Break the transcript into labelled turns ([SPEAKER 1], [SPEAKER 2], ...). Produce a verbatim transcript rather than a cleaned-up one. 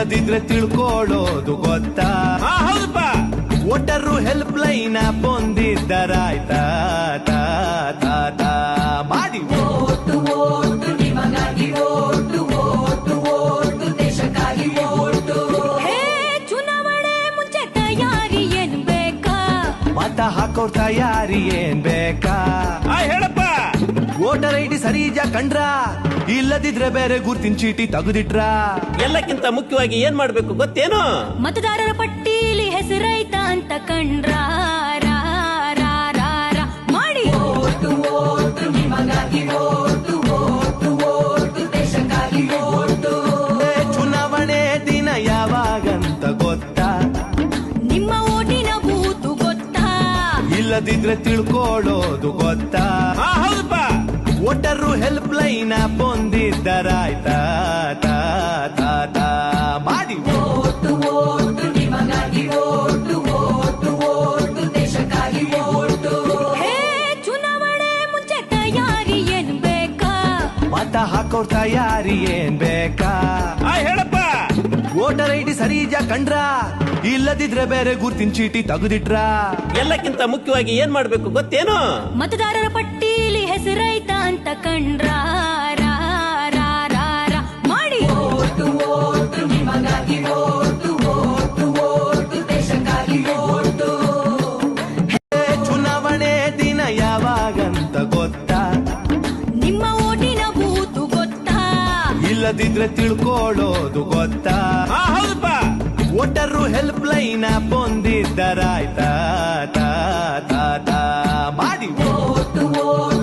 [SPEAKER 1] ಇಲ್ಲದಿದ್ರೆ ತಿಳ್ಕೊಳ್ಳೋದು ಗೊತ್ತಾ?
[SPEAKER 2] ಹೌದಪ್ಪ.
[SPEAKER 1] ಒಟ್ಟರು ಹೆಲ್ಪ್ ಲೈನ್ ಬಂದಿದ್ದರಾಯ್ತಾ ತಾ ತಾ ತಾ ಮಾಡಿ
[SPEAKER 3] ಓಟು ಓಟು ನಿಮಗಾಗಿ ಓಟು ಓಟು ಓಟು ದೇಶಕ್ಕಾಗಿ ಓಟು.
[SPEAKER 4] ಹೇ ಚುನಾವಣೆ ಮುಂಚೆ ತಯಾರಿ ಏನ್ ಬೇಕಾ?
[SPEAKER 1] ಮತ ಹಾಕೋರ್ ತಯಾರಿ ಏನ್ ಬೇಕಾ?
[SPEAKER 2] ಆ, ಹೇಳಪ್ಪ.
[SPEAKER 1] ವೋಟರ್ ಐ ಡಿ ಸರಿಜ ಕಂಡ್ರ, ಇಲ್ಲದಿದ್ರೆ ಬೇರೆ ಗುರ್ತಿನ ಚೀಟಿ ತೆಗೆದಿಟ್ರ.
[SPEAKER 2] ಎಲ್ಲಕ್ಕಿಂತ ಮುಖ್ಯವಾಗಿ ಏನ್ ಮಾಡ್ಬೇಕು ಗೊತ್ತೇನು?
[SPEAKER 4] ಮತದಾರರ ಪಟ್ಟೀಲಿ ಹೆಸರೈತ ಅಂತ ಕಂಡ್ರ ರಾ, ರಾ, ರಾ, ರಾ ಮಾಡಿ
[SPEAKER 3] ಓಟು ಓಟು ನಿಮಗಾಗಿ ಓಟು ಓಟು ಓಟು ದೇಶಕ್ಕಾಗಿ ಓಟು.
[SPEAKER 1] ಏ, ಚುನಾವಣೆ ದಿನ ಯಾವಾಗಂತ ಗೊತ್ತಾ?
[SPEAKER 4] ನಿಮ್ಮ ಓಟಿನ ಬೂತು ಗೊತ್ತಾ?
[SPEAKER 1] ಇಲ್ಲದಿದ್ರೆ ತಿಳ್ಕೊಳ್ಳೋದು ಗೊತ್ತಾ?
[SPEAKER 2] ಹೌದಪ್ಪ.
[SPEAKER 1] ಒಟ್ಟರು ಹೆಲ್ಪ್ ಲೈನ್ ಬಂದಿದ್ದರಾಯ್ತಾ ತಾ ತಾ ತಾ ಮಾಡಿ
[SPEAKER 3] ಓಟು ಓಟು ನಿಮಗಾಗಿ ಓಟು ಓಟು ಓಟು ದೇಶಕ್ಕಾಗಿ ಓಟು.
[SPEAKER 4] ಹೇ ಚುನಾವಣೆ ಮುಂಚೆ ತಯಾರಿ ಏನ್ ಬೇಕಾ?
[SPEAKER 1] ಮತ ಹಾಕೋರ್ ತಯಾರಿ ಏನ್ ಬೇಕಾ?
[SPEAKER 2] ಆ, ಹೇಳಪ್ಪ.
[SPEAKER 1] ವೋಟರ್ ಐ ಡಿ ಸರಿಜ ಕಂಡ್ರ, ಇಲ್ಲದಿದ್ರೆ ಬೇರೆ ಗುರ್ತಿನ ಚೀಟಿ ತೆಗೆದಿಟ್ರ.
[SPEAKER 2] ಎಲ್ಲಕ್ಕಿಂತ ಮುಖ್ಯವಾಗಿ ಏನ್ ಮಾಡ್ಬೇಕು ಗೊತ್ತೇನು?
[SPEAKER 4] ಮತದಾರರ ಪಟ್ಟೀಲಿ ಹೆಸರೈತ ಅಂತ ಕಂಡ್ರ ರಾ, ರಾ, ರಾ, ರಾ ಮಾಡಿ
[SPEAKER 3] ಓಟು ಓಟು ನಿಮಗಾಗಿ ಓಟು ಓಟು ಓಟು ದೇಶಕ್ಕಾಗಿ ಓಟು.
[SPEAKER 1] ಏ, ಚುನಾವಣೆ ದಿನ ಯಾವಾಗಂತ ಗೊತ್ತಾ?
[SPEAKER 4] ನಿಮ್ಮ ಓಟಿನ ಬೂತು ಗೊತ್ತಾ?
[SPEAKER 1] ಇಲ್ಲದಿದ್ರೆ ತಿಳ್ಕೊಳ್ಳೋದು ಗೊತ್ತಾ?
[SPEAKER 2] ಹೌದಪ್ಪ.
[SPEAKER 1] ಒಟ್ಟರು ಹೆಲ್ಪ್ ಲೈನ್ ಬಂದಿದ್ದರಾಯ್ತಾ ತಾ ತಾ ತಾ ಮಾಡಿ
[SPEAKER 3] ಓಟು ಓಟು